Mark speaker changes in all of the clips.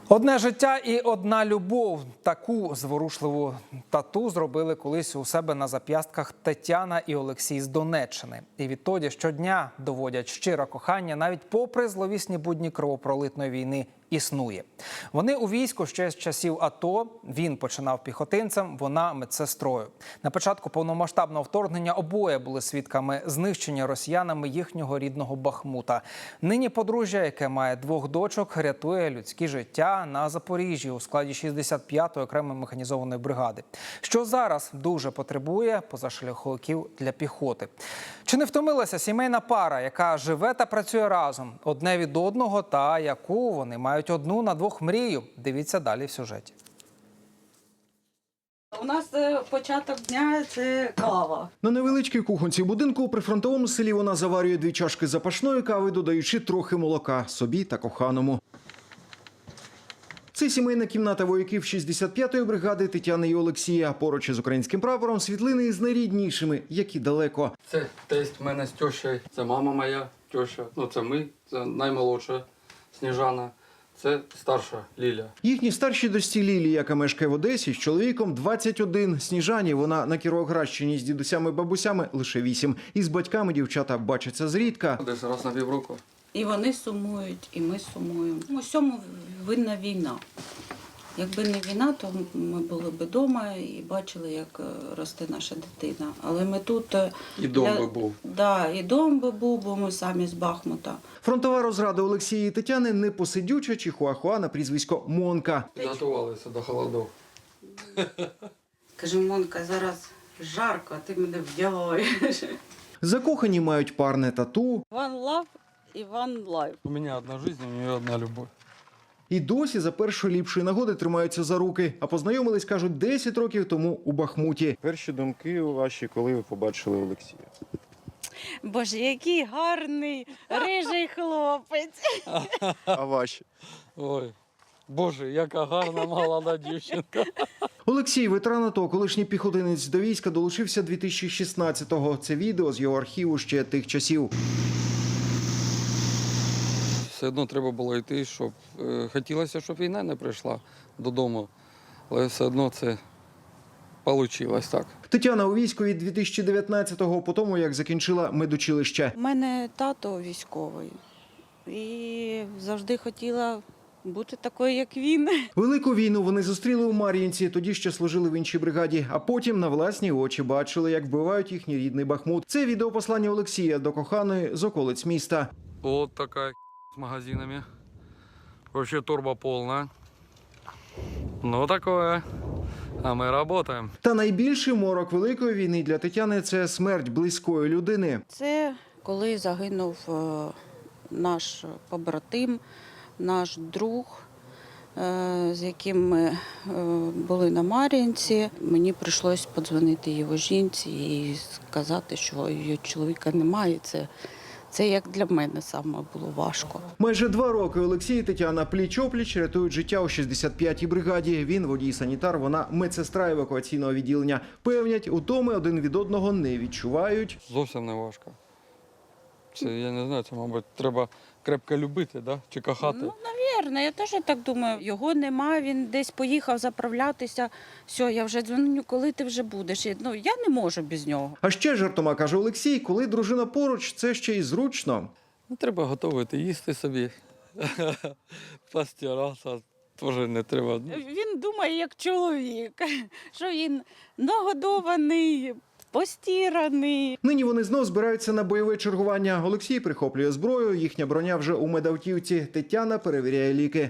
Speaker 1: Одне життя і одна любов. Таку зворушливу тату зробили колись у себе на зап'ястках Тетяна і Олексій з Донеччини. І відтоді щодня доводять, щире кохання, навіть попри зловісні будні кровопролитної війни, існує. Вони у війську ще з часів АТО. Він починав піхотинцем, вона медсестрою. На початку повномасштабного вторгнення обоє були свідками знищення росіянами їхнього рідного Бахмута. Нині подружжя, яке має двох дочок, рятує людські життя на Запоріжжі у складі 65-ї окремої механізованої бригади. Що зараз дуже потребує позашляховиків для піхоти. Чи не втомилася сімейна пара, яка живе та працює разом, одне від одного, та яку вони мають одну на двох мрію? Дивіться далі в сюжеті.
Speaker 2: У нас початок дня – це кава.
Speaker 3: На невеличкій кухонці будинку у прифронтовому селі вона заварює 2 чашки запашної кави, додаючи трохи молока собі та коханому. Це сімейна кімната вояків 65-ї бригади Тетяни і Олексія. Поруч із українським прапором світлини із найріднішими, які далеко.
Speaker 4: Це тесть в мене з тещою, це мама моя теща, це ми, це наймолодша Сніжана, це старша Ліля.
Speaker 3: Їхній старшій дочці Лілі, яка мешкає в Одесі, з чоловіком 21. Сніжані, вона на Кіровоградщині з дідусями-бабусями лише 8. І з батьками дівчата бачаться зрідка.
Speaker 4: Десь раз на півроку.
Speaker 2: І вони сумують, і ми сумуємо. У всьому винна війна. Якби не війна, то ми були б вдома і бачили, як росте наша дитина. Але ми тут...
Speaker 4: І дом би був.
Speaker 2: Да, і дом би був, бо ми самі з Бахмута.
Speaker 3: Фронтова розрада Олексія і Тетяни – непосидюча чихуахуа на прізвисько Монка.
Speaker 4: Підготувалися до холодів.
Speaker 2: Каже, Монка, зараз жарко, а ти мене вдягаєш.
Speaker 3: Закохані мають парне тату.
Speaker 2: One love і one life.
Speaker 4: У мене одна життя, у неї одна любов.
Speaker 3: І досі за першої ліпшої нагоди тримаються за руки. А познайомились, кажуть, 10 років тому у Бахмуті.
Speaker 5: Перші думки ваші, коли ви побачили Олексія?
Speaker 2: Боже, який гарний, рижий хлопець.
Speaker 5: А ваші?
Speaker 4: Ой, Боже, яка гарна молода дівчинка.
Speaker 3: Олексій, ветеран АТО, колишній піхотинець до війська, долучився 2016-го. Це відео з його архіву ще тих часів.
Speaker 4: Все одно треба було йти, щоб хотілося, щоб війна не прийшла додому, але все одно це вийшло так.
Speaker 3: Тетяна у війську від 2019-го, по тому, як закінчила медучилище.
Speaker 2: У мене тато військовий і завжди хотіла бути такою, як він.
Speaker 3: Велику війну вони зустріли у Мар'їнці, тоді ще служили в іншій бригаді, а потім на власні очі бачили, як вбивають їхній рідний Бахмут. Це відеопослання Олексія до коханої з околиць міста.
Speaker 4: Вот такая с магазинами. Вообще турбо полная. Ну такое. А мы работаем.
Speaker 3: Та найбільший морок великої війни для Тетяни – це смерть близької людини.
Speaker 2: Це коли загинув наш побратим, наш друг, з яким ми були на Мар'їнці. Мені прийшлося подзвонити його жінці і сказати, що її чоловіка немає. Це як для мене саме було важко.
Speaker 3: Майже 2 роки Олексій і Тетяна пліч-опліч рятують життя у 65-й бригаді. Він водій-санітар, вона медсестра евакуаційного відділення. Певнять, утоми один від одного не відчувають.
Speaker 4: Зовсім не важко. Це, я не знаю, це, мабуть, треба крепко любити, да? Чи кохати.
Speaker 2: Ну, навірно, я теж так думаю. Його нема, він десь поїхав заправлятися. Все, я вже дзвоню, коли ти вже будеш. Я не можу без нього.
Speaker 3: А ще жартома, каже Олексій, коли дружина поруч, це ще й зручно.
Speaker 4: Ну, треба готувати, їсти собі. Постиратися теж не треба.
Speaker 2: Він думає, як чоловік, що він нагодований, постіраний.
Speaker 3: Нині вони знов збираються на бойове чергування. Олексій прихоплює зброю, їхня броня вже у медавтівці. Тетяна перевіряє ліки.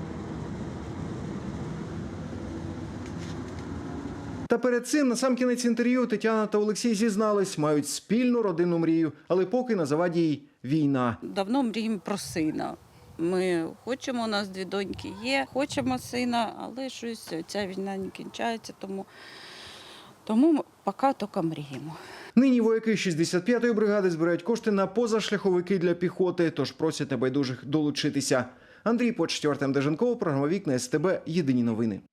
Speaker 3: Та перед цим, насамкінець інтерв'ю, Тетяна та Олексій зізнались, мають спільну родинну мрію, але поки на заваді їй війна.
Speaker 2: Давно мріємо про сина. Ми хочемо, у нас 2 доньки є, хочемо сина, але щось ця війна не кінчається, тому ми поки тільки мріємо.
Speaker 3: Нині вояки 65-ї бригади збирають кошти на позашляховики для піхоти, тож просять небайдужих долучитися. Андрій Почтів, Артем Деженков, програма «Вікна СТБ». Єдині новини.